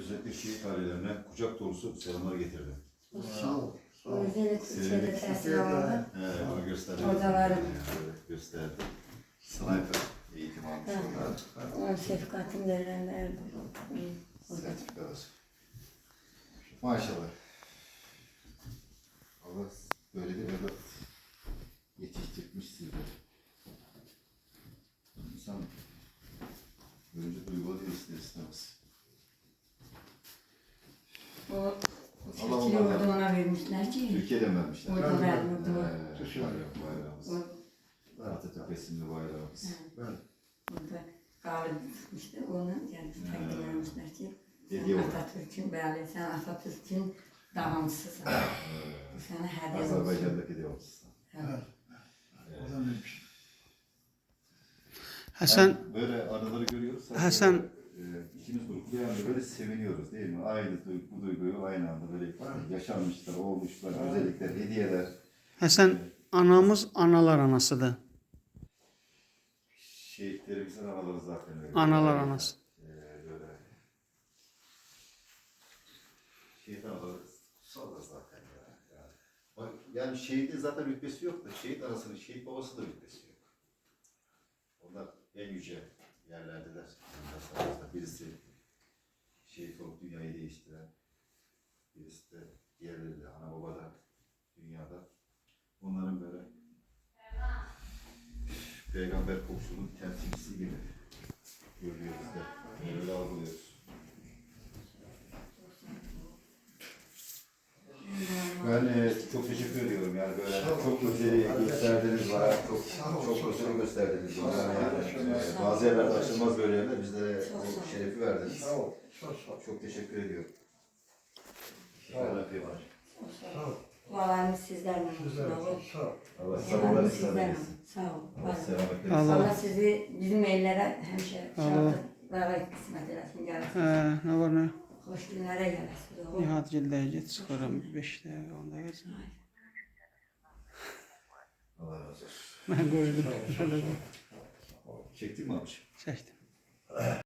özellikle şehit ailelerine kucak dolusu selamlar getirdim. Sağ ol. Özellikle şeyde tesir almadı. Evet, onu gösterdim. Hocalarım. Evet, gösterdim. Sniper eğitim almış onlar. Onun şefkatini verenlerdi. Sertifikalar. Maşallah. Allah böyle bir evlat yetiştirmiş sizleri. İnsan önce duygu değil ister istemez. O Allah Türkiye onlardan- orduna vermişler ki. Türkiye'den vermişler. Orada vermişler. Bayrağımız. Atatürk resimli bayrağımız. Orada galip tutmuştu. Onu kendisi takdim etmişler ki. Hediye olarak. Atatürk'ün böyle, sen Atatürk'ün davamcısısın. Sana hediye olsun. Azerbaycan'daki devamcısı. Evet. Hasan, Böyle anıları görüyoruz. Hasan. İkimiz gruplu yani böyle seviniyoruz değil mi? Aynı bu duyguyu aynı anda böyle yaşanmışlar, olmuşlar, özellikler, hediyeler. Hasan anamız analar anasıdır. Şehitlerimizin anaları zaten öyle. Analar anası. Böyle. Şehit anaları kutsaldır zaten yani şehidin zaten rütbesi yok da şehit anasının, şehit babası da rütbesi yok. Onlar en yüce yerlerdeler. Birisi şehit olup dünyayı değiştiren, birisi de diğerleri de ana baba da dünyada. Onların böyle peygamber kokusunun temsilcisi gibi görüyoruz da öyle algılıyoruz. Ben çok teşekkür ediyorum yani böyle çok özeli gösterdiğiniz var, çok özeli gösterdiğiniz var. Yani, bazı yerlerde açılmaz böyle yerler, bizlere o şerefi verdiniz. Sağ ol. Çok teşekkür ediyorum. Dualarımız sizlerle. Sağ ol. Allah Dualarımız sabırlar sizlerle. versin. Sağ ol. Allah selamet versin. Allah. Allah sizi bizim ellere hemşe Allah. şartlara kısmet eylesin. Gelsin. Ne var ne? Hoş günlere gelsin. Nihat Cilde'ye git çıkarım 5 dakika 10 dakika. Allah razı olsun. Ben gördüm. Şöyle Çektin mi abiciğim? çektim.